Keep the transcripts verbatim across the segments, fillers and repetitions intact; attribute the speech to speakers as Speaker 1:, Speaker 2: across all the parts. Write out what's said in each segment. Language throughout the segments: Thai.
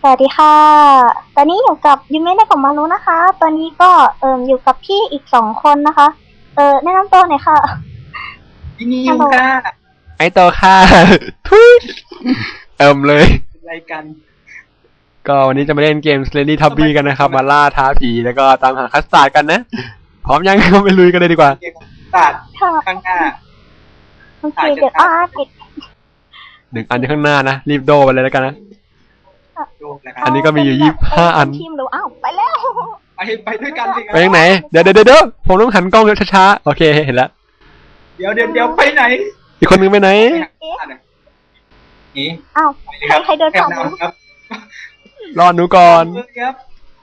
Speaker 1: สวัสดีค่ะ ตอนนี้อยู่กับยูเมะได้ผมมารู้นะคะ ตอนนี้ก็เอ่ออยู่กับพี่อีกสองคนนะคะ เออแนะนำตัวหน่อยค่ะ
Speaker 2: พี่นิวค่ะ
Speaker 3: ไอโตค่ะทุยเอิมเลย
Speaker 2: อะไรกัน
Speaker 3: ก็วันนี้จะมาเล่นเกม Slender Tubby กันนะครับ มาล่าท้าผีแล้วก็ตามหาคัสตาร์ดกันนะ พร้อมยังก็ไปลุยกันเลยดีกว่า
Speaker 2: เกมตัด
Speaker 1: ค่ะ
Speaker 2: ข้างหน้า
Speaker 1: โอเคเดี๋ยวอ่าปิด
Speaker 3: หนึ่งอันที่ข้างหน้านะ รีบโดไปเลยแล้วกันนะ
Speaker 2: ดูนะค
Speaker 3: อั
Speaker 2: รับ
Speaker 3: นนี้ก็มีอยู่ยี่สิบห้าอัน
Speaker 1: ทีมหรืออ้าวไปแล้ว
Speaker 2: ไปไปด้วยกันสิค
Speaker 3: ไป
Speaker 2: รับ
Speaker 3: ยังไหน เดี๋ยวเดี๋ยวเดี๋ยวผมต้องหันกล้องช้าๆ โอเคเห็นแล้ว
Speaker 2: เดี๋ยวเดี๋ยวเดี๋ยวไปไหน
Speaker 3: อีกคนนึงไปไหน
Speaker 2: ไปหาหน่อยนี่
Speaker 1: อ้าว
Speaker 2: ไปเลยครับ
Speaker 1: ใครใครเดินผ่าน
Speaker 2: แถวนำครับ
Speaker 3: รอหนูก่อน
Speaker 2: เฮ้ยครับ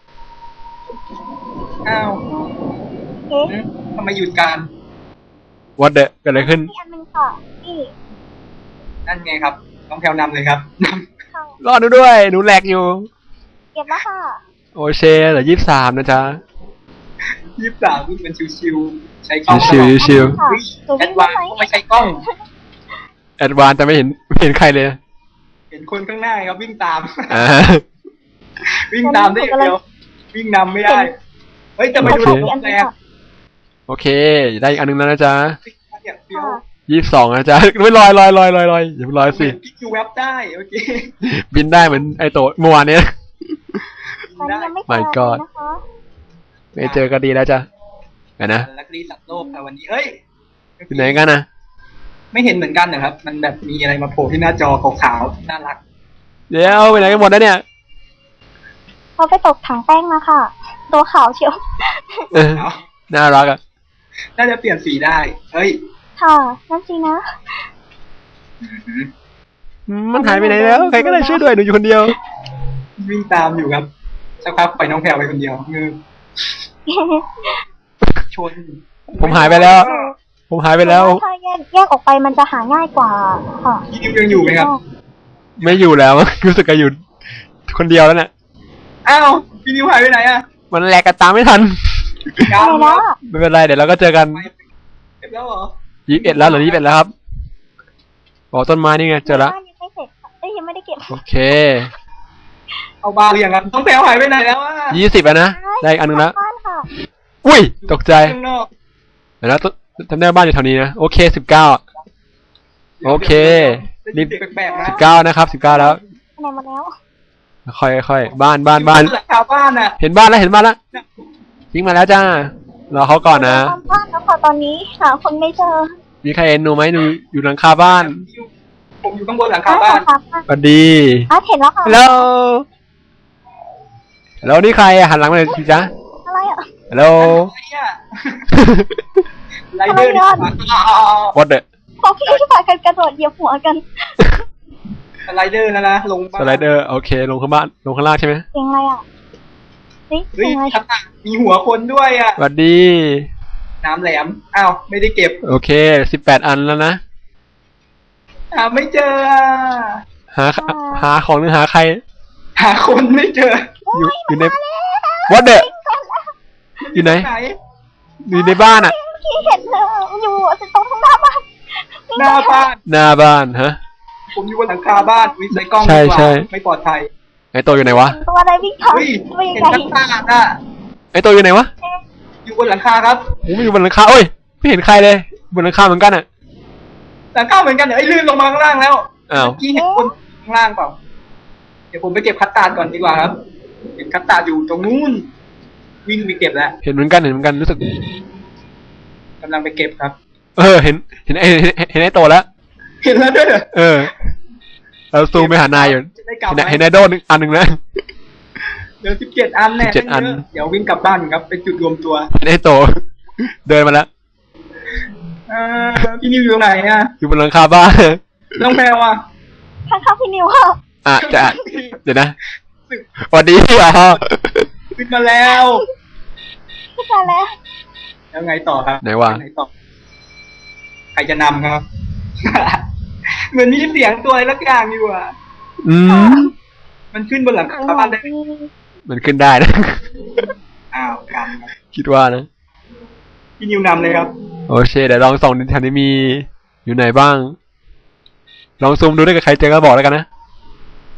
Speaker 2: อ้าว
Speaker 1: เอ๊ะ
Speaker 2: อืมทำไมหยุดการ
Speaker 3: วัดเดะเกิดอะไรขึ้น
Speaker 1: นี่อันหนึงค่ะนี่
Speaker 2: นั่นไงครับต้องแถวนำเลยครับน
Speaker 1: ค่ะ
Speaker 3: รอหนูด้วย หนูแหลกอยู่
Speaker 1: เก็บแล้วค่ะ
Speaker 3: โอเคเหลือยี่สิบสามนะจ๊ะ
Speaker 2: ำยี่สิบสามวิ่งเป็นชิวๆใช้กล้อง
Speaker 3: ชิวๆ ชิว
Speaker 1: ค่ะ
Speaker 2: เฮ้ย
Speaker 1: ตัว
Speaker 2: แอ
Speaker 1: วิ่ง
Speaker 2: ด
Speaker 1: ได้
Speaker 2: วาน
Speaker 1: ไหม
Speaker 2: ซ์ไม่ใช้กล้อง
Speaker 3: แอดวานแต่ไม่เห็นไม่เห็นใครเลย
Speaker 2: เห็นคนข้างหน้าครับวิ่งตาม
Speaker 3: อ่า
Speaker 2: วิ่งตามได้อย่างเดียววิ่งนำไม่ได้ เฮ้ยจะไปดู
Speaker 3: โอ
Speaker 2: ห
Speaker 3: เค
Speaker 2: ล
Speaker 1: อั
Speaker 2: บ
Speaker 1: น
Speaker 2: แร
Speaker 1: นี้
Speaker 2: ง
Speaker 1: ค่ะ
Speaker 3: โอเค ได้อีกอันนึงแล้วนะจ๊ะ
Speaker 2: เนี่ยเดียว
Speaker 1: ค่ะ
Speaker 3: ยี่สิบสองนะจ๊ะ ไม่ลอยลอยลอยลอยลอยอย่าไปลอยสิ
Speaker 2: เห็นพี่คิวแว็บได้โอเค
Speaker 3: บินได้เหมือนไอโตะเมื่อวานเนี้ย
Speaker 1: ตอนนี้ยังไม่เจอ
Speaker 3: My
Speaker 1: เลย
Speaker 3: God
Speaker 1: นะคะ
Speaker 3: ไม่เจอก็ดีแล้วจ้ะเดี๋ยวนะ
Speaker 2: ลักลีสัตว์โลกค่ะวันนี้เฮ้ย
Speaker 3: อยู่ไหนกันนะ
Speaker 2: ไม่เห็นเหมือนกันนะครับ มันแบบมีอะไรมาโผล่ที่หน้าจอขาวๆน่ารัก
Speaker 3: เดี๋ยวไปไหนกันหมดแล้วเนี่ย
Speaker 1: เขาไปตกถังแป้งมาค่ะ ตัวขาวเชียว
Speaker 3: เออ
Speaker 2: เอา
Speaker 3: น่ารักอ่ะ
Speaker 2: น่าจะเปลี่ยนสีได้ เฮ้ย
Speaker 1: ค่ะนั่นสินะ
Speaker 3: อืมมันหายไปไหนแล้ว ใครก็ได้ช่วยด้วยหนูอยู่คนเดียว
Speaker 2: วิ่งตามอยู่ครับสักพักไปล่อยน้องแพรวไปคนเดียวงือชน
Speaker 3: ผมหายไปแล้ว ผมหายไปแล้ว
Speaker 1: ถ้าแยกแยกออกไปมันจะหาง่ายกว่าค่ะ
Speaker 2: พี่นิวยังอยู่ไหมครับ
Speaker 3: ไม่อยู่แล้ว รู้สึกจะอยู่คนเดียวแล้วเนี่ย
Speaker 2: อ้าวพี่นิวหายไปไหนอ่ะ
Speaker 3: มันแหลกกันตามไม่ทัน
Speaker 2: ยาว
Speaker 1: อะไร
Speaker 2: ครั
Speaker 1: นะ
Speaker 2: บ
Speaker 3: ไม่เป็นไรเดี๋ยวเราก็เจอกัน
Speaker 2: เก็บแล้วเหรอ
Speaker 3: ยี่สิบเอ็ดแล้วเหรือยี่สิบเอ็ดแล้วครับบอกต้นไม้นี่ไงเจอแล้ว
Speaker 1: บ้านยังไม่เสร็จค่ะเอ้ยยังไม่ได้เก็บ
Speaker 3: โอเค
Speaker 2: เอาบ้านหรือยังครับน้องแพรวหายไปไหนแล้วอ่ะ
Speaker 3: ยี่สิบแล้วนะ ได้อีกอันนึงแล้ว
Speaker 1: บ้านค่ะ
Speaker 3: อุ้ย ตกใจ
Speaker 2: ข้างนอก
Speaker 3: เดี๋ยวนะต้นจำได้ว่าบ้านอยู่แถวนี้นะ โอเคสิบเก้า โอเค
Speaker 2: รีบแปลกๆนะ
Speaker 3: สิบเก้านะครับสิบเก้าแล้ว
Speaker 1: ไหนมาแล้ว
Speaker 3: ค่อยค่อยบ้านบ้านบ้าน
Speaker 2: หลังคาบ้านอ่ะ
Speaker 3: เห็นบ้านแล้วเห็นบ้านแล้วยิงมาแล้วจ้า รอเขาก่อนนะ
Speaker 1: ตามบ้านแล้วค่ะตอนนี้หาคนไม่เจอ
Speaker 3: มีใครเห็นหนูไหมหนูอยู่หลังคาบ้าน
Speaker 2: ผมอยู่ข้างบนหลังคาบ้าน
Speaker 1: ค่ะ
Speaker 3: สวัสดี
Speaker 1: อ่ะเห็นแล้วค่ะ
Speaker 3: ฮัลโหลฮัลโหลนี่ใครอะหันหลังมาเลยสิจ๊ะ
Speaker 1: อะไรอ่ะ
Speaker 3: ฮัลโหล
Speaker 2: ไรเดอร์
Speaker 3: วอดเดอ
Speaker 1: พวกพี่ที่พากันกระโดดเหยียบหัวกัน
Speaker 2: สไลเดอร์นะนะลง
Speaker 3: สไลเดอร์โอเคลงข้างบ้านลงข้างล่างใช่ไหม
Speaker 1: เสียงอะไรอ่ะนี่
Speaker 2: เฮ้ย
Speaker 1: เสียงอะไร
Speaker 2: ข้างหน้ามีหัวคนด้วยอ่ะ
Speaker 3: สวัสดี
Speaker 2: น้ำแหลมอ้าวไม่ได้เก็บ
Speaker 3: โอเคสิบแปดอันแล้วนะ
Speaker 2: หาไม่เจอ
Speaker 3: หาหาของหรือหาใคร
Speaker 2: หาคนไม่เจอ
Speaker 3: อยู่อยู่ในวอดเดออยู่ไหน
Speaker 2: ไหน
Speaker 3: อยู่ในบ้านอะ
Speaker 1: พี่เห็นเลยอยู่ตรงข้างหน้าบ้าน
Speaker 2: หน้าบ้าน
Speaker 3: หน้าบ้านฮะ
Speaker 2: ผมอยู่บนหลังคาบ้านวิใส่กล้อง
Speaker 3: ใช่
Speaker 2: ดีกว่า
Speaker 3: ใช่
Speaker 2: ไม่ปลอดภัย
Speaker 3: ไอโตอยู่ไหนวะ
Speaker 1: ตัวอะไรวิ่งผ่าน
Speaker 2: เฮ้ย
Speaker 1: ไปยัง
Speaker 2: เห็น
Speaker 1: ไง
Speaker 2: ข้างหน้าอ่ะ
Speaker 3: ไอโตอยู่ไหนวะ
Speaker 2: อยู่บนหลังคาครับ
Speaker 3: ผมอยู่บนหลังคาโอ้ยไม่เห็นใครเลยบนหลังคาเหมือนกันอะ
Speaker 2: หลังคาเหมือนกันเหรอไอ้ลื่นลงมาข้างล่างแล้ว
Speaker 3: อ้าว
Speaker 2: เมื่อกี้เห็นคนข้างล่างเปล่าเดี๋ยวผมไปเก็บคัตตาร์ดก่อนดีกว่าครับเห็นคัตตาร์ดอยู่ตรงนู้นวิ่งไปเก็บแล้ว
Speaker 3: เห็นเหมือนกันเห็นเหมือนกันรู้สึก
Speaker 2: กำลังไปเก็บครับ
Speaker 3: เออเห็นเห็นไอเห็นเห็นไอโตแล้ว
Speaker 2: เห็นแล้วด้วยเหรอ
Speaker 3: เออเราซูมไปหานายอยู่
Speaker 2: จะได้กลับ
Speaker 3: เห็น
Speaker 2: ไหม
Speaker 3: เห็นไอโดนึงอันหนึ่งแล้ว
Speaker 2: เดี๋ยวสิบเจ็ดอันแน่
Speaker 3: สิบเจ็ดอัน
Speaker 2: เดี๋ยววิ่งกลับบ้านครับไปจุดรวมตัว
Speaker 3: เห็นไอโต เดินมาแล้ว
Speaker 2: เออพี่นิวอยู่ตรงไหนอ่ะ
Speaker 3: อยู่บนหลังคาบ้าน
Speaker 2: น้องแพรวอ่ะ
Speaker 1: ข้างๆพี่นิวค่ะ
Speaker 3: อ่ะจะเดี๋ยวนะสวัสดีอ๋อ
Speaker 2: ขึ้นมาแล้ว
Speaker 1: พี่มาแล้ว
Speaker 2: แล้วไงต่อครับ
Speaker 3: ไหนวะ
Speaker 2: ไหนต่อใครจะนำครับ เหมือนมีเสียงตัวอะไรสักอย่างอยู่อ่ะ
Speaker 3: อืม
Speaker 2: มันขึ้นบนหลังคาบ้านได้
Speaker 3: มันขึ้นได้นะ
Speaker 2: อ้าวกันครับ
Speaker 3: คิดว่านะ
Speaker 2: พี่นิวนำเลยครับ
Speaker 3: โอเคเดี๋ยวลองส่องในแถวนี้มีอยู่ไหนบ้าง ลองซูมดูด้วยกับใครเจอก็บอกแล้วกันนะ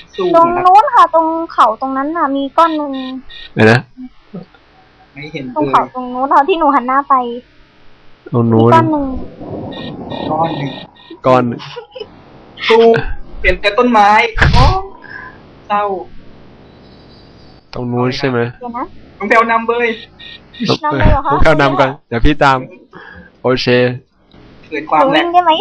Speaker 2: สู้
Speaker 1: ตรง
Speaker 2: นะครับ
Speaker 1: นู้นค่ะ ตรงเขาตรงนั้นน่ะ มีก้อนหนึ่ง
Speaker 3: เดี๋ยวนะ
Speaker 2: ไม่เห็น
Speaker 1: ตรง
Speaker 2: เลย
Speaker 1: เขาตรงนู้นเราที่หนูหันหน้าไป
Speaker 3: ตรง
Speaker 1: มี
Speaker 3: นู้น
Speaker 1: ก้อนหนึ่ง
Speaker 2: ก้อนหนึ่ง
Speaker 3: ก้อน
Speaker 2: สู้เห็นแต่ต้นไม้โอ้เศร้า
Speaker 3: ตรงนู้นใช่ไหม
Speaker 1: เดี๋ยวนะ
Speaker 2: น้องแพลวนำเบย
Speaker 1: นำเลยเหรอคะ
Speaker 3: ผมเข้านำก่อนเดี๋ยวพี่ตาม โอเค
Speaker 2: เกิดค
Speaker 1: ห
Speaker 2: วาม
Speaker 1: นู
Speaker 2: แหล
Speaker 1: วิ่
Speaker 2: ก
Speaker 1: งได้ไหม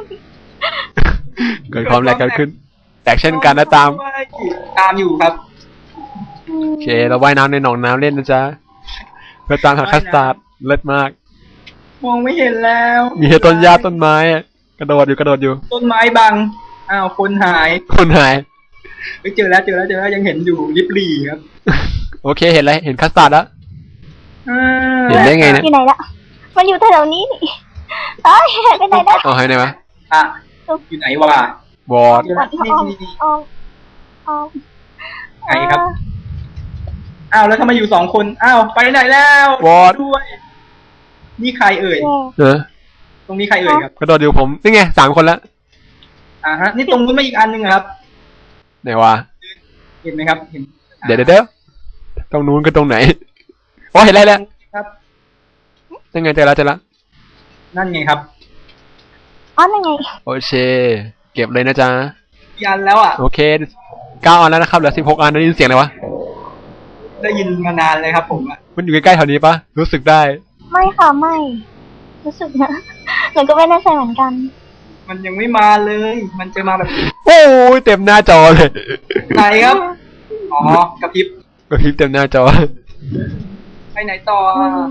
Speaker 3: เกิดความแหลกเกิดขึ้น แตกเช่นกันนะตาม
Speaker 2: ตามอยู่ครับ
Speaker 3: โอเค เราว่ายน้ำในหนองน้ำเล่นนะจ๊ะ เพื่อตามหาคัสตาร์ดเลิศมาก
Speaker 2: มองไม่เห็นแล้ว
Speaker 3: มีแค่ต้นหญ้าต้นไม้อะกระโดดอยู่กระโดดอยู่
Speaker 2: ต้นไม้บังอ้าวคนหาย
Speaker 3: คนหาย
Speaker 2: ไปเจอแล้วเจอแล้วเจอแล้วยังเห็นอยู่ลิบลี่ครับ
Speaker 3: โอเค เห็นอะไรเห็นคัสตาร์ดแล้ว
Speaker 2: อ่า
Speaker 3: เห็นได้ไงเนี่ย
Speaker 1: อยู่ไหนละมันอยู่แถวๆนี้นี่เอ้ยไปไหนละ
Speaker 3: เอาให้ไหนวะ
Speaker 2: อ่ะอยู่ไหนวะ
Speaker 3: บอด
Speaker 2: เจอ
Speaker 1: ก่
Speaker 2: แล้
Speaker 1: อ
Speaker 2: วน
Speaker 1: ที่
Speaker 2: นี่
Speaker 1: อ้อม
Speaker 2: นี่นี่
Speaker 1: อ้อมอ้อม
Speaker 2: ไหนครับ อ้าวแล้วทำไมอยู่สองคนอ้าวไปไหนแล้ว
Speaker 3: บอด
Speaker 2: ด้วยนี่ใครเอ่ย
Speaker 1: เออ
Speaker 3: เออ
Speaker 2: ตรงนี้ใครเอ่ยครับ
Speaker 3: กระโดดอยู่ผม นี่ไงสามคนแล้ว
Speaker 2: อ่าฮะนี่ตรงนู้นมาอีกอันหนึ่งครับ
Speaker 3: ไหนวะ
Speaker 2: เห็นไหมครับ เห็น
Speaker 3: เดี๋ยวเดี๋ยวเดี๋ยวตรงนู้นก็ตรงไหนโอ้เห็นอะไรแล้ว
Speaker 2: ครับ
Speaker 3: ยังไงเจอแล้วเจอแล้ว
Speaker 2: นั่นไงครับ
Speaker 1: อ๋อนั่นไง
Speaker 3: โอเค เก็บเลยนะจ๊ะ
Speaker 2: กี่อันแล้วอ่ะ
Speaker 3: โอเคเก้าอันแล้วนะครับเหลือสิบหกอันได้ยินเสียงอะไรวะ
Speaker 2: ได้ยินมานานเลยครับ ผมอ่ะ
Speaker 3: มันอยู่ใกล้ๆแถวนี้ปะรู้สึกได้
Speaker 1: ไม่ค่ะไม่ รู้สึกนะหนูก็ไม่แน่ใจเหมือนกัน
Speaker 2: มันยังไม่มาเลย มันจะมาแบบ
Speaker 3: โอ้ยเต็มหน้าจอเลย
Speaker 2: ไหนครับอ๋อกระพริบ
Speaker 3: กระพริบเต็มหน้าจอ
Speaker 2: ไปไหนต่อ
Speaker 1: อื
Speaker 2: อ่ะ
Speaker 1: ม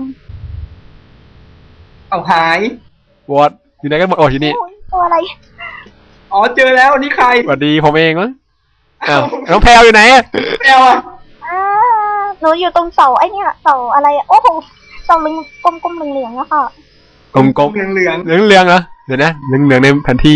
Speaker 2: เอาหาย
Speaker 3: วอดอยู่ไหนกันหมดโอ้อยู่นี่
Speaker 1: โอ้ยตัวอะไร
Speaker 2: อ๋อเจอแล้วนี่ใคร
Speaker 3: สวัสดีผมเองมั้งอ้าวน้องแพลวอยู่ไหนอะ
Speaker 2: แมวอ่ะ
Speaker 1: อ่าหนูอยู่ตรงเสาไอ้เนี่ยเสาอะไรอะโอ้โหเสาเหลืองกลมๆเหลืองๆอะค่ะ
Speaker 3: กลมกลม
Speaker 2: เหลืองเหลือง
Speaker 3: เหลืองเหลืองๆเหรอเดี๋ยวนะเหลืองเหลืองๆในแผนที่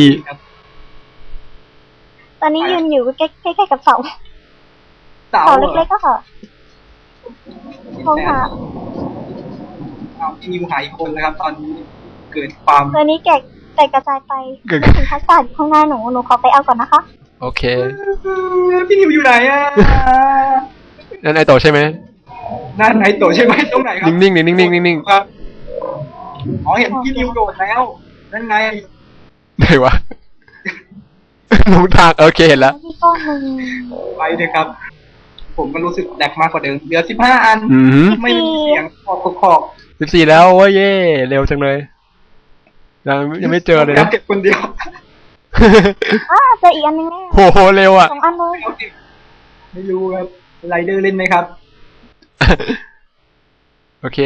Speaker 1: ตอนนี้ยืนอยู่ใกล้ใกล้ๆกับเสา
Speaker 2: ๆเสา
Speaker 1: เสา
Speaker 2: หรอ
Speaker 1: เล็กๆก็ค่ะมองหา
Speaker 2: เอาพี่นิวหายอีกคนแล้วครับ ตอนนี้เกิดความ
Speaker 1: ตัวนี้แกะแตกกระจายไป
Speaker 3: เกิด
Speaker 1: ไม่ถึงคัสตาร์ดอยู่ข้างหน้าหนูหนูขอไปเอาก่อนนะคะ
Speaker 3: โอเค
Speaker 2: พี่นิวอยู่ไหนอ่ะ
Speaker 3: นั่นไอโตใช่ไหม
Speaker 2: นั่นไหนโตใช่ไหมตรงไหนครับ
Speaker 3: นิ่งๆนิ่งๆนิ่งๆ
Speaker 2: ครับอ๋อเห็นพี่นิวโดดแล้ว นั่นไง
Speaker 3: ไหนวะ ลงทางโอเคเห็นแล้ว
Speaker 1: ที่ก้อนหนึ่ง
Speaker 2: ไปเลยครับ ผมก็รู้สึกแดกมากกว่าเดิมเหลือสิบห้าอัน
Speaker 3: อืม
Speaker 2: ไม่มีเสียงขอบขอบ
Speaker 3: สิบสี่แล้วโอ้ยเย่เร็วจังเลยยังยังไม่เจอเลยนะ
Speaker 2: เก็บคนเดียว
Speaker 1: อ่าเจออีกอันหนึงแน่
Speaker 3: โหเร็วอ่ะ
Speaker 1: สองอันเลย
Speaker 2: เอาเก็บไม่รู้ครับไรเดอร์เล่นไหมครับ
Speaker 3: โอเค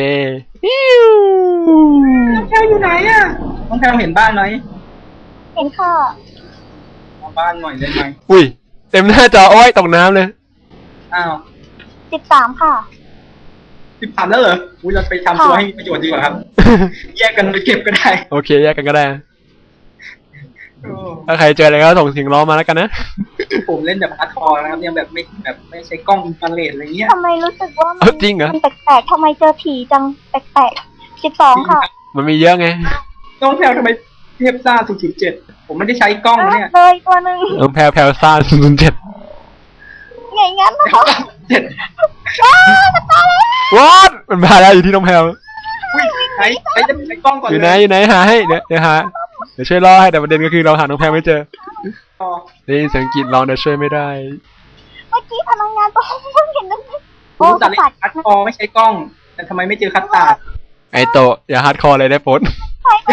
Speaker 2: น้องแพลวอยู่ไหนอ่ะน้องแพลวเห็นบ้านไหม
Speaker 1: เห็นค่ะ
Speaker 2: มาบ้านหน่อยได้ไหม
Speaker 3: อุ้ยเต็มหน้าจอโอ้ยตกน้ำเลย
Speaker 2: อ้าว
Speaker 1: สิบสามค่ะ
Speaker 2: สิบสามแล้วเหรออุ้ยเราไปทำตัวให้มีประโยชน์ดีกว่าครับ แยกกันไปเก็บก็ได้
Speaker 3: โอเคแยกกันก็ได้
Speaker 2: โอ้
Speaker 3: ถ้าใครเจออะไรก็ส่งเสียงร้องมาแล้วกันนะ
Speaker 2: ผมเล่นแบบอาร์ทอร์นะครับยังแบบไม่แบบไม่ใช้กล้องอินฟราเรดอะไรเงี้ย
Speaker 1: ทำไมรู้สึกว่ามั
Speaker 3: เอ้าจริงเหรอ
Speaker 1: มันแปลกๆทำไมเจอผีจังแปลกๆสิบสองค่ะ
Speaker 3: มันมีเยอะไง
Speaker 2: น้องแพลวทำไมเทียบซ่าศูนย์จุดเจ็ดผมไม่ได้ใช้กล้องนะเนี่ย
Speaker 1: อ่ะเลยตัวหนึ่ง
Speaker 3: น้องแพลวแพลวซ่าศูนย์เจ็ด
Speaker 1: ไงงั้นนะคะ
Speaker 2: เจ็ด
Speaker 1: ว้าวตายแล้ว
Speaker 3: วอดมันมาแล้วอยู่ที่น้องแพลว
Speaker 2: อุ้ยใช้ใช้จะใช้กล้องก่อน
Speaker 3: อยู่
Speaker 2: เล
Speaker 3: ไหน
Speaker 2: ย
Speaker 3: อยู่ไหนหาให้เดี๋ยวเดี๋ยวหาเดี๋ยวช่วยล่อให้แต่ประเด็นก็คือเราหาน้องแพลวไม่เจอ
Speaker 2: อ๋อ
Speaker 3: ได้ยินเสียงกรีดร้องแต่ช่วยไม่ได้
Speaker 1: เมื่อกี้พนักงานตัวเพิ่งเห็นนั่น
Speaker 2: ผ
Speaker 1: โอ้
Speaker 2: ม
Speaker 1: ส
Speaker 2: ตัดเล่
Speaker 1: ปัด
Speaker 2: นคัดคอไม่ใช้กล้อง แต่ทำไมไม่เจอคัดตาด
Speaker 3: ไอโตะอย่าฮาร์ดคอร์เลยได้โพส
Speaker 1: ไปไป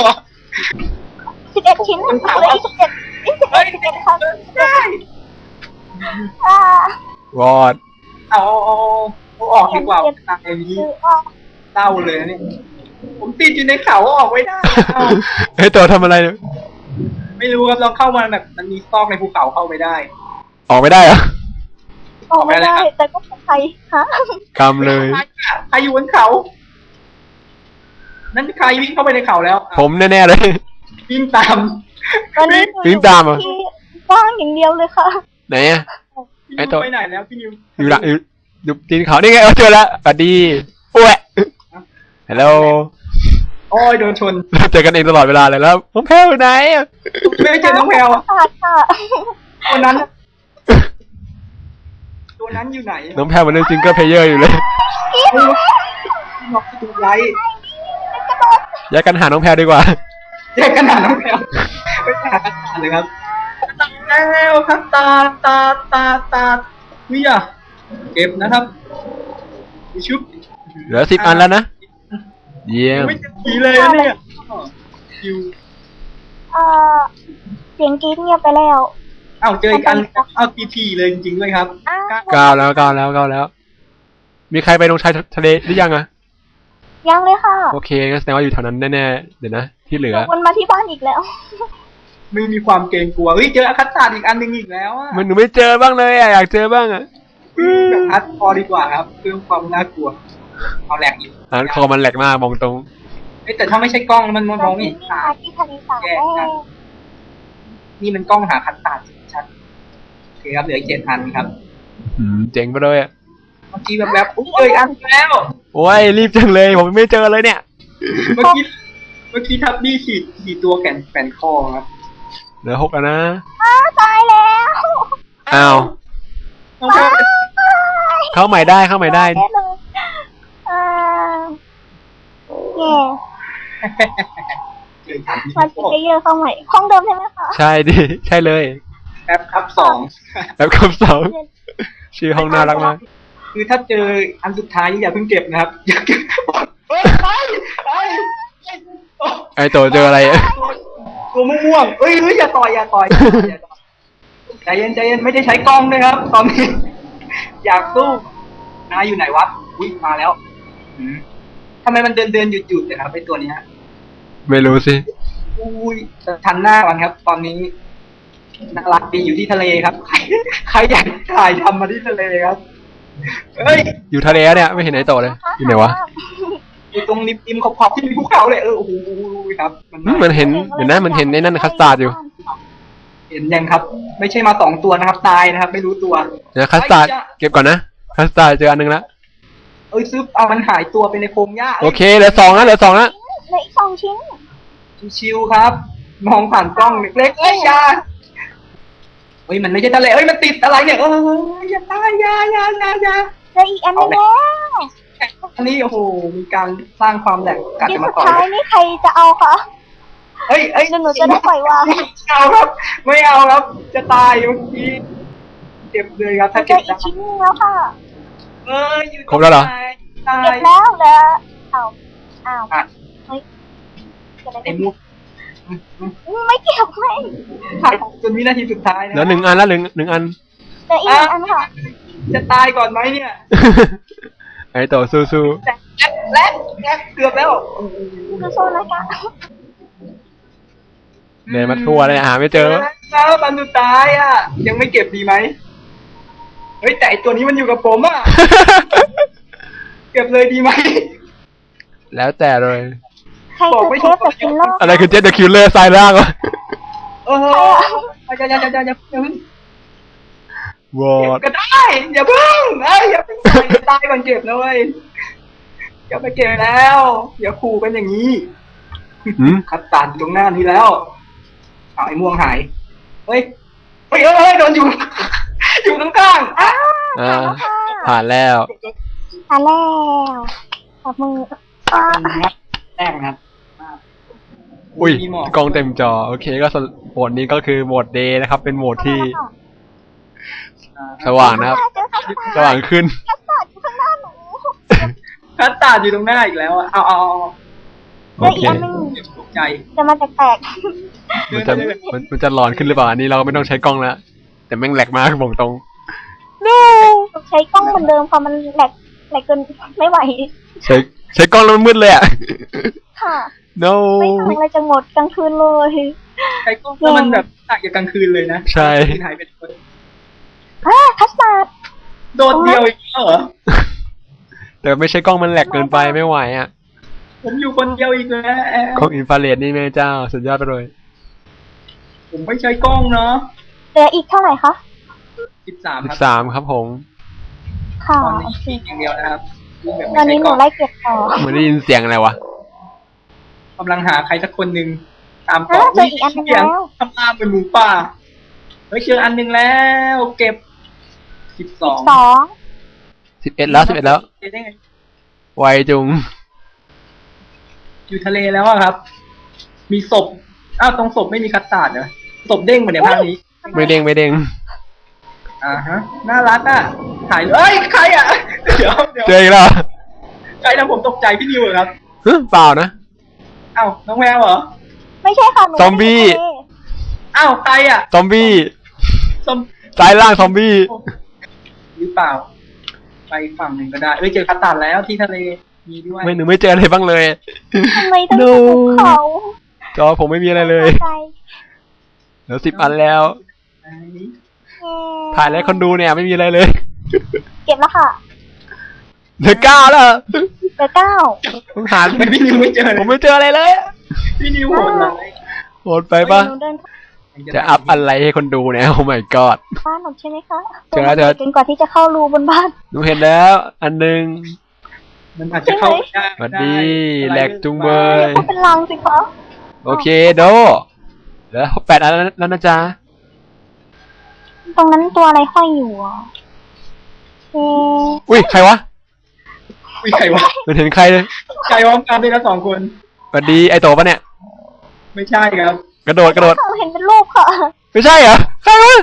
Speaker 1: สิบเอ็ดชิ้นเหลืออีกสิบเจ็ดอีกสิบ
Speaker 2: เฮ้
Speaker 1: เอ็
Speaker 2: ย
Speaker 1: ดสิบเอ็ดค่ะ
Speaker 2: ได้
Speaker 1: อ่าว
Speaker 3: อด
Speaker 2: เอาเอาเอาออกดีกว่าตายนี้
Speaker 1: คือออก
Speaker 2: เศร้าเลยนะเนี่ยผมติดอยู่ในเขาออกไม่ได้เอา
Speaker 3: ไอโตะทำอะไรเนี่ย
Speaker 2: ไม่รู้ครับลองเข้ามาแบบมันมีซอกในภูเขาเข้าไปได้
Speaker 3: ออกไม่ได้เหรอ
Speaker 1: ออกไม่ได้ แต่ก็ปลอดภัยฮะ
Speaker 3: กำเลย
Speaker 2: ใครอะใครอยู่บนเขา นั่นใครวิ่งเข้าไปในเขาแล้ว
Speaker 3: ผมแน่ๆเลย
Speaker 2: วิ่งตาม
Speaker 1: ตอนนี้หนู
Speaker 3: วิ่งตามเหรอ
Speaker 1: ที่ว่างอย่างเดียวเลยค่ะ
Speaker 3: ไหนอะ
Speaker 2: พี่
Speaker 3: ไอ้
Speaker 2: นิว
Speaker 3: ตัว
Speaker 2: ไปไหนแล้วพี่นิว
Speaker 3: อยู่หลังอยู่อยู่ตีนเขานี่ไงเอาเจอแล้วสวัสดีโอ้ยฮัลโหล
Speaker 2: โอ้ยโดนชน
Speaker 3: เจอกันเองตลอดเวลาเลยแล้วน้องแพลวอยู่ไหนอะ
Speaker 2: ไม่เจอน้องแพลวอะ
Speaker 1: ขาดค่ะ
Speaker 2: วันนั้นตัวนั้นอยู่ไหน
Speaker 3: น้องแพรมันเล่นซิงเกิลเพลเยอร์อยู่เลย
Speaker 2: ล็อกประตูไว้
Speaker 3: แยกกันหาน้องแพรดีกว่า
Speaker 2: แยกกันหาน้องแพรไปหาคัตตาเลยครับตาแล้วคัตตาตาตาตาวิอ่ะเก็บนะครับชุบ
Speaker 3: เหลือสิบอันแล้วนะ เยี่ยม
Speaker 2: ไม่จะทีเลยนะเนี่ยคิว
Speaker 1: เอ่อเสียงกรี๊ดเงียบไปแล้ว
Speaker 2: เอ้าเจออีกอันเอาทีทีเลยจริงๆด้วยครับ
Speaker 1: อ้าว
Speaker 3: ก้าวแล้วก้าวแล้วก้าวแล้ว มีใครไปลงชายทะเลหรือยังอะ
Speaker 1: ยังเลยค่ะ
Speaker 3: โอเคงั้นแสดงว่าอยู่แถวนั้นแน่ๆ เดี๋ยวนะ ที่เหลือ
Speaker 1: วนมาที่บ้านอีกแล้ว
Speaker 2: ไม่มีความเกรงกลัวเฮ้ยเจอคัตตาอีกอันหนึ่งอีกแล้วอ่ะ
Speaker 3: มันหนูไม่เจอบ้างเลยอะอยากเจอบ้างอะ
Speaker 2: แบบอัดพอดีกว่าครับเพื่อความน่ากลัวเอาแหลกอีก
Speaker 3: อ่านคอมันแหลกมากมองตรง
Speaker 2: เฮ้ยแต่ถ้าไม่ใช่กล้องมันมองไม่เห็น
Speaker 1: นี่
Speaker 2: ตา
Speaker 1: ค่ะที่ทะเลสาบแม่
Speaker 2: นี่มันกล้องหาคัตตาชัดโอเคครับเหลืออีกเจ็ดอันครับ
Speaker 3: อืมเจ๋งไปเลยอะ
Speaker 2: เมื่อกี้แบบแบบอุ้ยเจออีกอันแล้ว
Speaker 3: โอ้ยรีบจังเลย ผมไม่เจอเลยเนี่ย
Speaker 2: เมื่อกี้เมื่อกี้ทับบี้ฉีดฉีดตัวแขนแขนคอครับ
Speaker 3: เหลือหกแล้วนะ
Speaker 1: อ้าวตายแล้ว
Speaker 3: อ้าว
Speaker 2: น้องแพร
Speaker 3: เข้าใหม่ได้เข้าใหม่ได้
Speaker 1: แน่เลยอ่าแย่
Speaker 2: เจออันที่
Speaker 1: มาจิเกเยอร์เข้าใหม่ห้องเดิมใช่ไหมคะ
Speaker 3: ใช่ดิ ใช่เลย
Speaker 2: แอปครับสอง
Speaker 3: แล้วคำสองชื่อห้องน่ารักมาก
Speaker 2: คือถ้าเจออันสุดท้ายอย่าเพิ่งเก็บนะครับอย่าเก็บเฮ้ยไปไป
Speaker 3: ไอโตเจออะไรอะ
Speaker 2: ตัวม่วงๆเอ้ยเฮ้ยอย่าต่อยอย่าต่อยอย่าต่อยใจเย็นใจเย็นไม่ได้ใช้กล้องด้วยครับ ตอนนี้ อยากสู้นายอยู่ไหนวะอุ้ยมาแล้วอืมทำไมมันเดินเดินหยุดหยุดเลยครับไอตัวนี้ฮะ
Speaker 3: ไม่รู้สิ
Speaker 2: อุ้ยทันหน้าก่อนครับ ตอนนี้น่ารักดีอยู่ที่ทะเลครับ ใครใครอยากถ่ายทำมาที่ทะเลครับเฮ้ย
Speaker 3: อยู่ทะเลเนี่ยไม่เห็นไอโตเลย อยู่ไหนวะ
Speaker 2: อยู่ตรงริมริมขอบขอบที่มีภูเขาเลยเออโอ้โหครับ
Speaker 3: อืมมันเห็นเดี๋ยวนะมันเห็นในนั่นคัสตาร์ดอยู่
Speaker 2: เห็นยังครับ ไม่ใช่มาสองตัวนะครับ ตายนะครับ ไม่รู้ตัว
Speaker 3: เดี๋ยวคัสตาร์ดเก็บก่อนนะ คัสตาร์ดเจออันหนึงแล้ว
Speaker 2: เอ้ยซึบเอามันหายตัวไปในโพรงหญ้า
Speaker 3: โอเคเหลือสองนะเหลือสองนะ
Speaker 1: เหลืออีกสองชิ้น
Speaker 2: ชิวๆครับ มองผ่านกล้องเล็กๆเอ้ยอยาเฮ้ยมันไม่ใช่ทะเลเอ้ยมันติดอะไรเนี่ยเอออย่าตายอย่าอย่าอย่าอย่า
Speaker 1: เหลืออีกอันนึงแล้ว
Speaker 2: อันนี้โอ้โหมีการสร้างความแหลกกัด
Speaker 1: ชิ้น
Speaker 2: กัน
Speaker 1: สุ
Speaker 2: มา
Speaker 1: ด
Speaker 2: ก่อน
Speaker 1: ท้ายนี่ใครจะเอาคะ
Speaker 2: เฮ้ยเฮ้ย
Speaker 1: เดี๋ยวหนูจะได้ปล่อยวาง
Speaker 2: ไม่เอาครับ ไม่เอาครับ จะตายเมื่อกี้เจ็บเลยครับ
Speaker 1: เห
Speaker 2: ถ้า
Speaker 1: ลื
Speaker 2: เจ็
Speaker 1: อบ อีกชิ้นนึงแล้วค่ะ
Speaker 2: เอออยู่
Speaker 3: ครบแล้วเหรอ
Speaker 2: ตาย
Speaker 1: เก็บแล้วเหลืออ้าวอ้าว
Speaker 2: อ่ะ
Speaker 1: เฮ้ยเกิดอะไร
Speaker 2: ไอ้
Speaker 1: ขึ้น
Speaker 2: มุกอืมอืม
Speaker 1: อืมไม่เก็บไม่
Speaker 2: ถ่ายจนวินาทีสุดท้ายนะ
Speaker 3: เหลือหนึ่งอันแล้วหนึ่งหนึ่งอัน
Speaker 1: เหลืออีกหนึ่งอันค่ะ
Speaker 2: จะตายก่อนไหมเนี่ย
Speaker 3: ไอโตสู้สู้
Speaker 2: แลกแลกแลกเกือบแล้วโอ้โห
Speaker 1: คือโซนนะคะ
Speaker 3: เดินมาทั่วเลยหาไม่เจอ
Speaker 2: แล้วตอนสุดท้ายอ่ะ ยังไม่เก็บดีไหมเฮ้ยแต่ไอตัวนี้มันอยู่กับผมอ่ะ เก็บเลยดีไหม
Speaker 3: แล้วแต่เลย
Speaker 1: ใครคือเทปกับกินโลก
Speaker 3: อะไรคือเจ็ตเดอะคิลเลอร์ทรายล่างวะ
Speaker 2: เอออย่าอย่าอย่าอย่าอย่าเพิ่ง
Speaker 3: วอ
Speaker 2: เก็บ
Speaker 3: ด
Speaker 2: ก็ได้อย่าเพิ่งเอ้ยอย่าเพิ่งตายอย่าตายก่อนเก็บนะเว้ยอย่าไปเก็บแล้วอย่าขู่กันอย่างนี้
Speaker 3: อืม
Speaker 2: คัดตันตรงหน้านี้แล้วเอาไอ้ม่วงหายเฮ้ยเฮ้ยเฮ้ยเฮ้ยโดนอยู่ อยู่ข้างๆอ่ะ
Speaker 3: อ่าผ่านแล้ว
Speaker 1: ผ่านแล้วจับมืออ่า
Speaker 2: แรกนะครับ
Speaker 3: อุ้ย
Speaker 2: มีหมอก
Speaker 3: กล้องเต็มจอ โอเคก็สำโหมดนี้ก็คือโหมดเดย์นะครับ เป็นโหมดที่สว่างนะครับ
Speaker 1: เจอคัสตาร์ด
Speaker 3: สว่างขึ้น
Speaker 1: คัสตาร์ดอยู่ข้างหน้าหนู
Speaker 2: คัดตันอยู่ตรงหน้าอีกแล้วอ่ะเอาเอาเอา
Speaker 3: โอ
Speaker 1: เหลือ
Speaker 3: เค
Speaker 1: อีกอันหนึง
Speaker 2: เก็บตกใจ
Speaker 1: จะมาแตก
Speaker 3: มันจะมันมันจะหลอนขึ้นหรือเปล่า อันนี้เราไม่ต้องใช้กล้องแล้ว แต่แม่งแหลกมากบอกตรง
Speaker 1: ๆดูใช้กล้องเหมือนเดิมค่ะมันแหลกแหลกเกินไม่ไหว
Speaker 3: ใช้ใช้กล้องแล้วมันมืดเลยอ่ะ
Speaker 1: ค่ะ
Speaker 3: no
Speaker 1: ไม่ทำอะไรจะหมดกลางคืนเลย
Speaker 2: ใครก็แล้วมันแบบตักอยู่กลางคืนเลยนะ
Speaker 3: ใช่
Speaker 2: หายไปคน
Speaker 1: อ่าคัสตาร์ด
Speaker 2: โดดเดียวอีกแล้วเหรอ
Speaker 3: แต่ไม่ใช่กล้องมันแหลกเกินไปไม่ไหวอ่ะ
Speaker 2: ผมอยู่คนเดียวอีกแล้ว
Speaker 3: กล้องอินฟราเรดนี่แม่เจ้า สุดยอดไปเลย
Speaker 2: ผมไม่ใช้กล้องเนาะ
Speaker 1: เหลืออีกเท่าไหร่คะ
Speaker 2: สิบสาม
Speaker 3: สิ
Speaker 2: ครับ
Speaker 3: บสามครับผม
Speaker 1: ค่ะ
Speaker 2: ตอนนี้
Speaker 1: โอเค
Speaker 2: ยิงอย่างเดียวนะครับยิงแบบ
Speaker 1: ตอ
Speaker 2: ไม่
Speaker 1: น
Speaker 2: ใช้
Speaker 1: นี้ห
Speaker 2: กล้
Speaker 1: นู
Speaker 2: อง
Speaker 1: ไล่เก็บต่อ
Speaker 3: เหมือนได้ยินเสียงอะไรวะ
Speaker 2: กำลังหาใครสักคนหนึ่งตาม
Speaker 1: อ่า
Speaker 2: เกาะ
Speaker 1: เจออีกอันหนึง
Speaker 2: เสียง
Speaker 1: แล้ว
Speaker 2: ทำลามเป็นหมูป่าเฮ้ยเจออันหนึ่งแล้วเก็บสิบสอง
Speaker 1: สอง
Speaker 3: สิบเอ็ดแล้วสิบเอ็ดแล้ว
Speaker 2: ได้ไง
Speaker 3: ไวจุง
Speaker 2: อยู่ทะเลแล้วอะครับ มีศพอ้าวตรงศพไม่มีคัสตาร์ดเหรอศพเด้งมาในภาคนี้
Speaker 3: ไม่เด้งไม่เด้ง
Speaker 2: อ่าฮะน่ารักอ่ะถ่ายเอ้ยใครอ่ะเดี๋ยวเดี๋ยว
Speaker 3: เจออีกแล้ว
Speaker 2: ใครทำผมตกใจพี่นิวเหรอครับ
Speaker 3: ฮึเปล่านะ
Speaker 2: อ้าวน้องแววเหรอ
Speaker 1: ไม่ใช่ค่ะหนู
Speaker 3: ซอมบี้
Speaker 2: อ้าวใครอ่ะ
Speaker 3: ซอมบี้
Speaker 2: ซอม
Speaker 3: ซ้ายล่างซอมบี้
Speaker 2: หรือเปล่า ไปฝั่งหนึ่งก็ได้เอ้ยเจอคัสตาร์ดแล้วที่ทะเลมีด้วย
Speaker 3: ไม่หนูไม่เจออะไรบ้างเลย
Speaker 1: ทำไมต้องอยู่ภูเขา
Speaker 3: จอผมไม่มีอะไรเลย
Speaker 1: ใจ
Speaker 3: เหลือสิบอันแล้ว
Speaker 2: ไหน
Speaker 1: เอ่อ
Speaker 3: ถ่ายแล้วคนดูเนี่ยไม่มีอะไรเลย
Speaker 1: เก็บแล้วค่ะ
Speaker 3: เหลือเก้าแล้ว
Speaker 1: เหลือเก้า
Speaker 3: ต้องหา
Speaker 2: ทำไมพี่นิวไม่เจอเลย
Speaker 3: ผมไม่เจออะไรเลย
Speaker 2: พี่นิวโหดร้าย
Speaker 3: โหดไปปะ
Speaker 1: หนูเดิน
Speaker 3: จะอัพอะไรให้คนดูเนี่ย โอ้ my god
Speaker 1: บ้านหนูใช่ไหมคะ
Speaker 3: เจอแล้วเจอ
Speaker 1: จนกว่าที่จะเข้ารูบนบ้าน
Speaker 3: หนูเห็นแล้ว อันหนึ่ง
Speaker 2: มันอาจจะเข้าได้
Speaker 3: สวัสดี
Speaker 2: ได้
Speaker 3: แหลกจุงเบย
Speaker 1: ก็เป็นรังสิคะ
Speaker 3: โอเคโดแล้วแปดอันแล้วนะจ๊ะ
Speaker 1: ตรงนั้นตัวอะไรห้อยอยู่อ่ะเอ๊ะ
Speaker 3: อุ้ยใครวะ
Speaker 2: มีใครวะ
Speaker 3: ไม่เห็นใครเลย
Speaker 2: ใครวะกันด้วยนะสองคน
Speaker 3: สวัสดีไอโตปะเนี่ย
Speaker 2: ไม่ใช่ครับ
Speaker 3: กระโดดกระโดด
Speaker 1: เขาเห็นเป็นรูปค่ะ
Speaker 3: ไม่ใช่เหรอ ใครวะ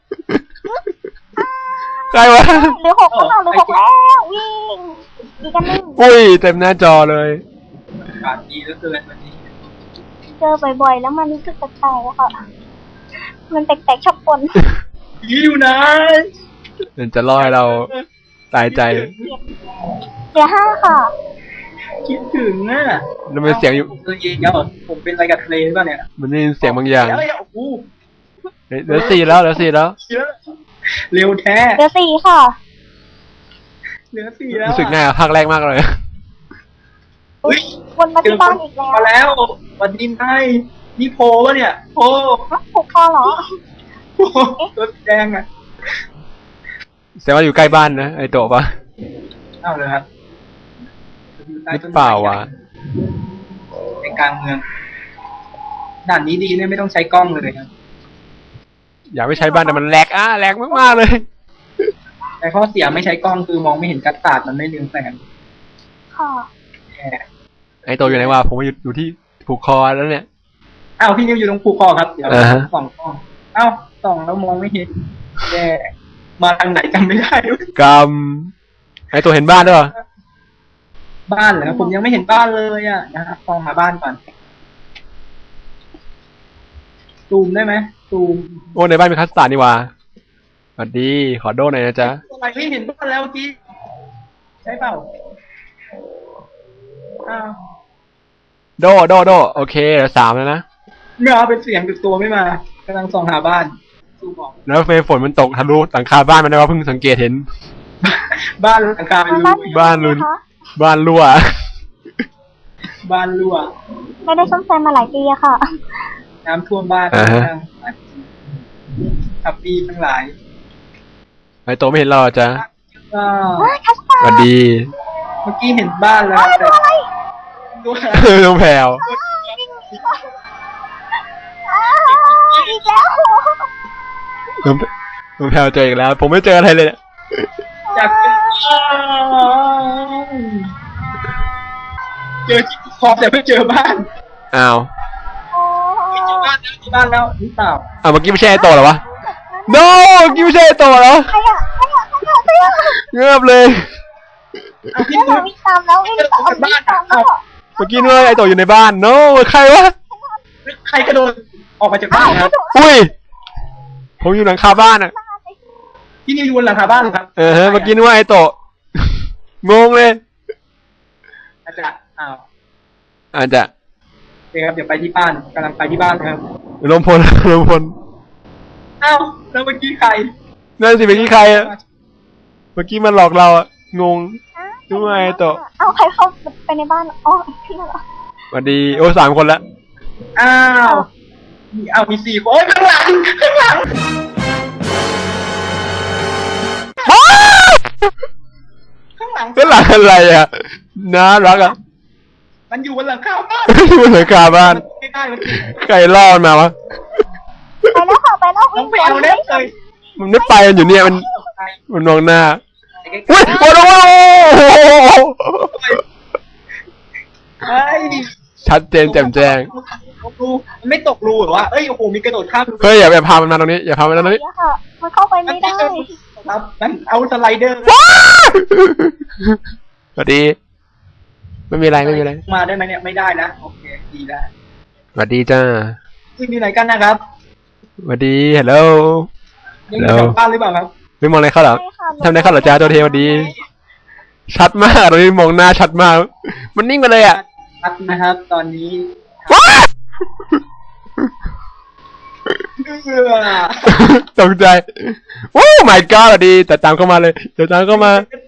Speaker 3: ใครวะ
Speaker 1: เหลือหกแล้วเหลือหกแล้ววิ่งอีกอันหนึง
Speaker 3: อุ้ยเต็มหน้าจอเลย
Speaker 2: อากาศดีเหลือเกินวันนี้
Speaker 1: เจอบ่อยๆ แล้วมันรู้สึกแปลกๆอะค่ะ มันแปลกๆชอบปน
Speaker 2: ผีอยู่ไหน
Speaker 3: เดี๋ยวจะล่อให้เราตายใจ
Speaker 1: เหลือห้าค่ะ
Speaker 2: คิดถึงอ่ะ
Speaker 3: แล้วมันเสียงอยู่
Speaker 2: ผมตัวเองแล้วผมเป็นอะไรกับทะเลหรือเปล่าเนี่ย
Speaker 3: มันได้ยินเสียงบางอย่าง
Speaker 2: เดี๋ยวโอ้โห
Speaker 3: เหลือสี่แล้วเหลือสี่แล้ว
Speaker 2: เยอะเร็วแท้
Speaker 1: เหลือสี่ค่ะ
Speaker 2: เหลือสี่แล้ว
Speaker 3: รู้สึกง่ายกว่าภาคแรกมากเลย
Speaker 1: อุ๊ยวนมาที่บ้านอีกแล้ว
Speaker 2: มาแล้ววันนี้ไงนี่โพวะเนี่ยโพ
Speaker 1: ผูกคอเหรอ
Speaker 2: โพตัวสีแดงอ่ะ
Speaker 3: แสดงว่าอยู่ใกล้บ้านนะไอโตปะ
Speaker 2: เอาเลยครับ
Speaker 3: หรือเปล่าวะ
Speaker 2: ในกลางเมืองด่านนี้ดีเนี่ยไม่ต้องใช้กล้องเลยครับ
Speaker 3: อยากไม่ใช้บ้านแต่มันแหลกอ่ะแหลกมากๆเลย
Speaker 2: แต่ข้อเสียไม่ใช้กล้องคือมองไม่เห็นกัดตาดมันไม่เรืองแสง
Speaker 1: ค่ะ
Speaker 2: แย่
Speaker 3: ไอโตอยู่ไหนวะผมมาอยู่อยู่ที่ผูกคอแล้วเนี่ย
Speaker 2: อ้าวพี่นิวอยู่ตรงภูคอครับเดี๋ยว
Speaker 3: อ่าฮะ
Speaker 2: ส่องกล้องอ้าวส่องแล้วมองไม่เห็นแย่มาทางไหนจำไม่ได้ด้วย
Speaker 3: กำไอโตเห็นบ้านด้วยเหรอ
Speaker 2: บ้านเหรอผมยังไม่เห็นบ้านเลยอ่ะนะครับส่องหาบ้านก่อนซูมได้ไหมซูม
Speaker 3: โอ้ในบ้านมีคัสตาร์ดนี่วะสวัสดีขอโดหน่อยนะจ๊ะ
Speaker 2: อะไรไม่เห็นบ้านแล้วเมื่อกี้ใช่เปล่าอ้าว
Speaker 3: โดโดโดโอเคเหลือสามแล้วนะ
Speaker 2: เมื่อเป็นเสียงติดตัวไม่มากำลังส่องหาบ้านซูมออก
Speaker 3: แล้วเฟยฝนมันตกทะลุหลังคาบ้านมันได้ว่าเพิ่งสังเกตเห็น
Speaker 2: บ้านหลังคาเป็นรู
Speaker 3: บ้านลุน บ้านรั่ว
Speaker 2: บ้านรั่ว
Speaker 1: ไม่ได้ซ่อมแซมมาหลายปีอะค่ะ
Speaker 2: น้ำท่วมบ้าน
Speaker 3: อ่าฮะ
Speaker 2: ทับปีทั้งหลาย
Speaker 3: ไอโตไม่เห็นเราเหรอจ๊ะ
Speaker 2: ก็
Speaker 1: ว้ายคัสตา
Speaker 3: สวัส
Speaker 1: ร์ด
Speaker 3: ดี
Speaker 2: เมื่อกี้เห็นบ้านแล้ว
Speaker 1: อ้าว
Speaker 2: แต่
Speaker 1: ตัวอะไร
Speaker 2: ตัวอะไร
Speaker 3: น้องแพรว
Speaker 1: อ้าวอีกแล้ว
Speaker 3: น้องน้องแพรวเจออีกแล้ว ผมไม่เจออะไรเลยเนี่ย
Speaker 2: อยากเจอเจอที่คอแต่ไม่เจอบ้าน
Speaker 3: อ้าว
Speaker 1: โอ้
Speaker 2: ไม่เจอบ้านแล้วเจอบ้านแล้วหรือเปล่า
Speaker 3: อ้าวเมื่อกี้ไม่ใช่ไอโตเหรอวะ no เมื่อกี้ไม่ใช่ไอโตเหรอ
Speaker 1: ใครอะใครอะใครอะใครอะ
Speaker 3: เงือบเลย
Speaker 2: เอาพี่
Speaker 1: เนี่ย
Speaker 2: นิ
Speaker 1: เรา
Speaker 2: ว
Speaker 1: วิ่งตามแล้ววิ่งตามวิ่งตามแล้ว
Speaker 3: เมื่อกี้นึกว่าไอโตอยู่ในบ้าน no ใครวะ
Speaker 2: ใครกระโดดออกมาจากบ้านครับ
Speaker 3: อุ้ย ผมอยู่หลังคาบ้านอ่ะ
Speaker 2: พี่นิวอยู่บนหลังคาบ้านเหรอครับ
Speaker 3: เออฮะเมื่อกี้นึกว่าไอโตงงเลย
Speaker 2: อาจจะอ้าว
Speaker 3: อาจจะ
Speaker 2: โอเคครับเดี๋ยวไปที่บ้านกำลังไปที่บ้านครับ
Speaker 3: ลมพลลมพล
Speaker 2: อ้าวแล้วเมื่อกี้ใคร
Speaker 3: นั่นสิเมื่อกี้ใครอะเมื่อกี้มันหลอกเราอะงง ทำไมโตะ
Speaker 1: เอาใครเข้าไปในบ้านอ๋อพี่น่ะเหรอ
Speaker 3: สวัสดีโอ้สามคนละ
Speaker 2: อ้าวมีอ้าวมีสี่คนโอ้ยข้างหลังข้างหลังข้างหลัง
Speaker 3: ก็หลังอะไรอ่ะน่ารักอ่ะ
Speaker 2: มันอยู่บนหลังคาบ้าน
Speaker 3: อยู่บนหลังคาบ้าน
Speaker 2: ไม่ได้มัน
Speaker 3: ใครล่อมันมาวะ
Speaker 1: ไปแล้วค่ะไปแล้ว
Speaker 2: ต้อ
Speaker 1: วิ่
Speaker 2: ง
Speaker 1: ง
Speaker 2: ไปเอาเล็บเลย
Speaker 3: มันไม่ไปมันอยู่เนี่ยมันมันมองหน้า
Speaker 2: ไอ้ใกล้
Speaker 3: อุ้ยโอ้โห
Speaker 2: ๆเฮ้ย
Speaker 3: ชัดเจนแจ่มแจ้ง
Speaker 2: ตกรูมันไม่ตกรูเหรอวะเอ้ยโอ้โหมีกระโดดข้ามรู
Speaker 3: เฮ้ยอย่าอย่าพามันมาตรงนี้อย่าพามันมาตรงนี้
Speaker 1: เนี่ยค่ะมันเข้าไปไม่ได้
Speaker 2: ครับนั่นเอาสไลเดอร์
Speaker 3: สวัสดีไม่มีอะไรไม่มีอะไร
Speaker 2: มาได้ไหมเนี่ยไม่ได้นะโอเคดีแล้ว
Speaker 3: สวัสดีจ้า
Speaker 2: คุณอยู่ไหนกันนะครับ
Speaker 3: สวัสดีฮัลโหล
Speaker 2: ยังอยู่แถวบ้านหรือเปล่าครับ
Speaker 3: ไม่มองอะไรเข้าเหรอ
Speaker 1: ใช่ค่ะ
Speaker 3: ทำอะไรเข้าเหรอจ้าตัวเทสวัสดี ชัดมากตรงนี้มองหน้าชัดมาก มันนิ่งไปเลยอ่ะ
Speaker 2: ชัดนะครับ ตอนนี้
Speaker 3: ว้า
Speaker 2: เอือ
Speaker 3: ตกใจโอ้ my god สวัสดีแต่ตามเข้ามาเลยเดี๋ยวตามเข้ามา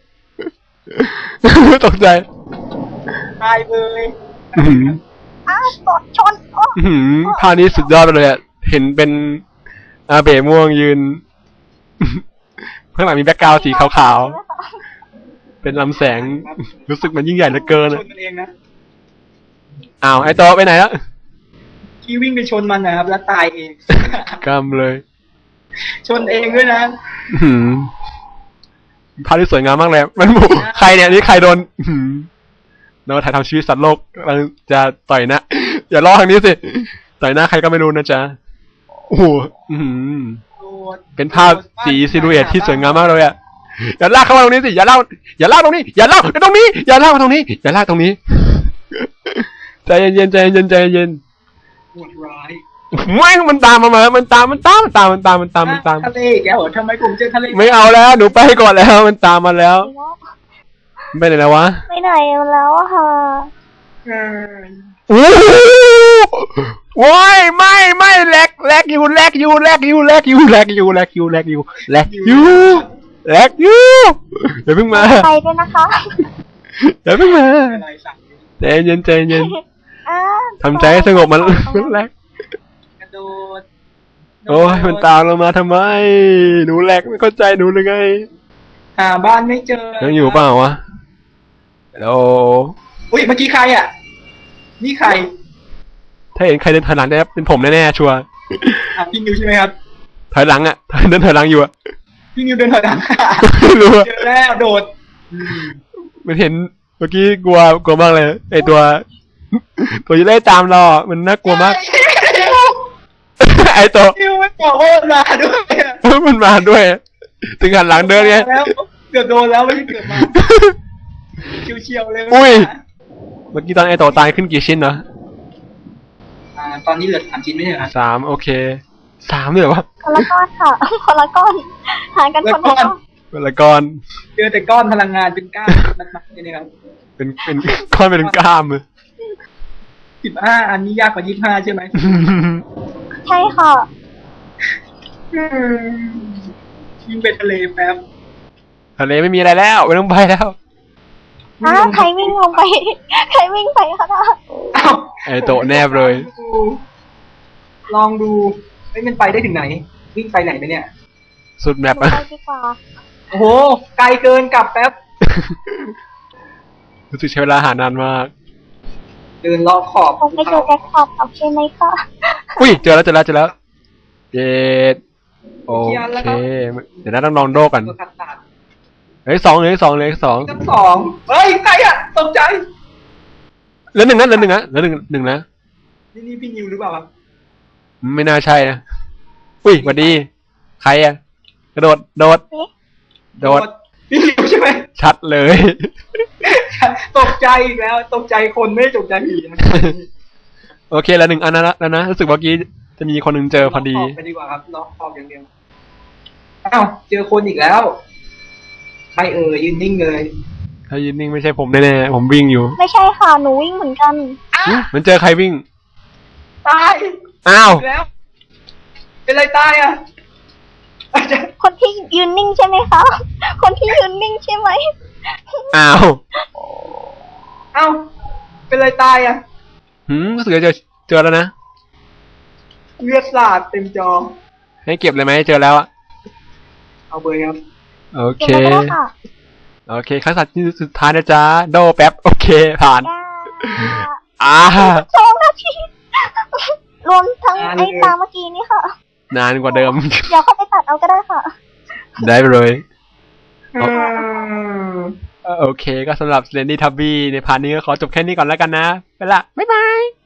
Speaker 3: ตกใจ
Speaker 2: ตายเลย
Speaker 3: อื้อหือ
Speaker 1: อ้าวกดชนโอ้
Speaker 3: อื้อหือภาพนี้สุดยอดเลยอ่ะเห็นเป็นอาเบะม่วงยืน ข้างหลังมีแบ็คกราวด์สีขาวๆเป็นลำแสงรู้สึกมันยิ่งใหญ่เหลือเกิน
Speaker 2: ช
Speaker 3: อะ
Speaker 2: นมันเองนะ
Speaker 3: อ้าวไอ้โตไปไหนแล้ว
Speaker 2: ที่วิ่งไปชนมันนะครับ แล้วตายเอง
Speaker 3: กำเลย
Speaker 2: ชนเองด้วยนะ
Speaker 3: อื้อหือภาพที่สวยงามมากเลย มันหมูใครเนี่ยนี่ใครโดนอื้อหือโดนถ่ายทำชีวิตสัตว์โลกกำลังจะต่อยหนะ อย่าล่อทางนี้สิ ต่อยหน้าใครก็ไม่รู้นะจ๊ะ โอ้โหอื้อหือเป็นภาพสีซิลูเอทที่สวยงามมากเลยอ่ะ อย่าลากเข้ามาตรงนี้สิ อย่าลากอย่าลากตรงนี้ อย่าลากตรงนี้ อย่าลากมาตรงนี้ อย่าลากตรงนี้ ใจเย็นๆใจเย็นๆใจเย็น
Speaker 2: โหดร้าย
Speaker 3: ไม่มันตามมามามันตาม มันตาม มันตาม มันตาม มันตาม มันตาม
Speaker 2: ทะเลอีกแล้วเหรอทำไมผมเจอทะเล
Speaker 3: ไม่เอาแล้ว หนูไปก่อนแล้ว มันตามมาแล้วไปไหนแล้ววะ
Speaker 1: ไปไหนแล้วอะค่ะ
Speaker 2: เออ
Speaker 3: โอ้โหไม่ไม่แลกแลกอยู่แลกอยู่แลกอยู่แลกอยู่แลกอยู่แลกอยู่แลกอยู่แลกอยู่แลกอยู่อย่าเพิ่งมา
Speaker 1: ไปด้วยนะคะ
Speaker 3: อย่าเพิ่งมา
Speaker 2: อะไรสั่ง
Speaker 3: ใจเย็นใจเย็น
Speaker 1: อ่า
Speaker 3: ทำใจให้สงบมันมันแลก
Speaker 2: กระโดด
Speaker 3: โอ้ยมันตามเรามาทำไมหนูแลกไม่เข้าใจหนูเลยไง
Speaker 2: หาบ้านไม่เจอ
Speaker 3: ยังอยู่เปล่าวะโอ้
Speaker 2: อุ้ยเมื่อกี้ใครอ่ะ นี่ใคร
Speaker 3: ถ้าเห็นใครเดินถอยหลังได้เป็นผมแน่ๆชัวร์
Speaker 2: อ่ะพี่นิวใช่ไหมครับ
Speaker 3: ถอยหลังอ่ะเดินถอยหลังอยู่อ่ะ
Speaker 2: พี่นิวเดินถอยหลัง
Speaker 3: ไม่รู้อะ
Speaker 2: เจอแล้วโดดอืม
Speaker 3: มันเห็นเมื่อกี้กลัวกลัวมากเลยไอตัว ตัวจะไล่ตามเราอะมันน่ากลัวมาก ไอตัว
Speaker 2: นิวไม่บอกว่ามันมาด้วยอะ
Speaker 3: มันมาด้วย ถึงหันหลังเดินไง
Speaker 2: แล้วเกือบโดนแล้วไม่ใช่เกือบมาเฉียวๆเลย
Speaker 3: อุ้ย เมื่อกี้ตอนไอตัวตายขึ้นกี่ชิ้นเนาะ
Speaker 2: อ่าตอนนี้เหลือสามชิ้นไม่ใช่เหรอครับ
Speaker 3: สามโอเคสามเลยเหรอวะ
Speaker 1: คนละก้อนค่ะ คนละก้อนหารกันคนละก้อน
Speaker 3: เวลาก้อน
Speaker 2: เจอแต่ก้อนพลังงานเป็นก้านมัดๆเนี่ยนะครับ
Speaker 3: เป็นเป็นก้อนเป็นกล้ามเลย
Speaker 2: สิบห้าอันนี้ยากกว่ายี่สิบห้าใช่ไหม
Speaker 1: ใช่ค่ะ
Speaker 2: อืมยิงไปทะเลแป๊บ
Speaker 3: ทะเลไม่มีอะไรแล้วไม่ต้องไปแล้ว
Speaker 1: อ้าวใครวิ่งลงไป ใครวิ่งไปคะน่ะ
Speaker 2: อ้าว
Speaker 3: ไอโตะแนบเลย
Speaker 2: ลองดูเฮ้ยมันไปได้ถึงไหน วิ่งไปไหนไปเนี่ย
Speaker 3: สุดแมป
Speaker 1: ไป
Speaker 3: อะ
Speaker 1: ดีกว่า
Speaker 2: โอ้โห ไกลเกินกลับแป๊บ
Speaker 3: รู้สึกใช้เวลาหานานมาก
Speaker 2: เดินรอบขอบ
Speaker 1: คงไปเจอแจ็คพอตโอเคไหมคะ
Speaker 3: อุ้ยเจอแล้วเจอแล้วเจอแล้วเจ็ดโอเคเดี๋ยวนะต้องลองโดกัน
Speaker 2: ตัวขัดตัด
Speaker 3: เฮ้ยสองเลยสองเลยสอง
Speaker 2: ทั้งสองเฮ้ยใครอะตกใจ
Speaker 3: เหลือหนึ่งนะเหลือหนึ่งนะเหลือหนึ่งหนึ่งนะ
Speaker 2: นี่นี่พี่นิวหรือเปล่าครับ
Speaker 3: ไม่น่าใช่นะอุ้ยสวัสดี ใครอะกระโดดโดด
Speaker 1: เอ๊ะ
Speaker 3: โดด
Speaker 2: พี่นิวใช่ไหม
Speaker 3: ชัดเลย
Speaker 2: ตกใจอีกแล้ว ตกใจคนไม่ได้ตกใจผีนะ
Speaker 3: โอเคแล้วหนึ่งอันนั้นแล้วนะรู้สึกเมื่อกี้จะมีคนหนึ่งเจอพอดี
Speaker 2: ล็อกขอบไปดีกว่าครับล็อกขอบอย่างเดียวอ้าวเจอคนอีกแล้วใครเอ่ยยืนนิ่งเลย
Speaker 3: ถ้ายืนนิ่งไม่ใช่ผมแน่ๆผมวิ่งอยู่
Speaker 1: ไม่ใช่ค่ะ หนูวิ่งเหมือนกัน
Speaker 3: หึมันเจอใครวิ่ง
Speaker 2: ตาย
Speaker 3: อ้าว
Speaker 2: อีกแล้ว เป็นไรตายอ่ะอาจจะ
Speaker 1: คนที่ยืนนิ่งใช่ไหมคะ คนที่ยืนนิ่งใช่ไหม
Speaker 3: อ้าว
Speaker 2: เอ้าเป็นไรตายอ่ะ
Speaker 3: หืมรู้สึกจะเจอเจอแล้วนะ
Speaker 2: เลือดสาดเต็มจอ
Speaker 3: ให้เก็บเลยไหมเจอแล้วอะ
Speaker 2: เอาเบอร์ครับ
Speaker 3: โอเค
Speaker 1: เก็บมาก็ได้ค่ะ
Speaker 3: โอเคขั้นสัตว์ที่สุดท้ายนะจ๊ะโดแป๊บโอเคผ่าน
Speaker 1: จ้า
Speaker 3: อ่า
Speaker 1: สองนาที รวมทั้งไอ้ตาเมื่อกี้นี่ค่ะ
Speaker 3: นานกว่าเดิม
Speaker 1: เดี๋ยวเข้าไปตัดเอาก็ได้ค่ะ
Speaker 3: ได้เลย
Speaker 2: อืม
Speaker 3: เอ่อโอเคก็สำหรับ Slendy Tubby ในพาร์ทนี้ก็ขอจบแค่นี้ก่อนแล้วกันนะ ไปละ บ๊ายบาย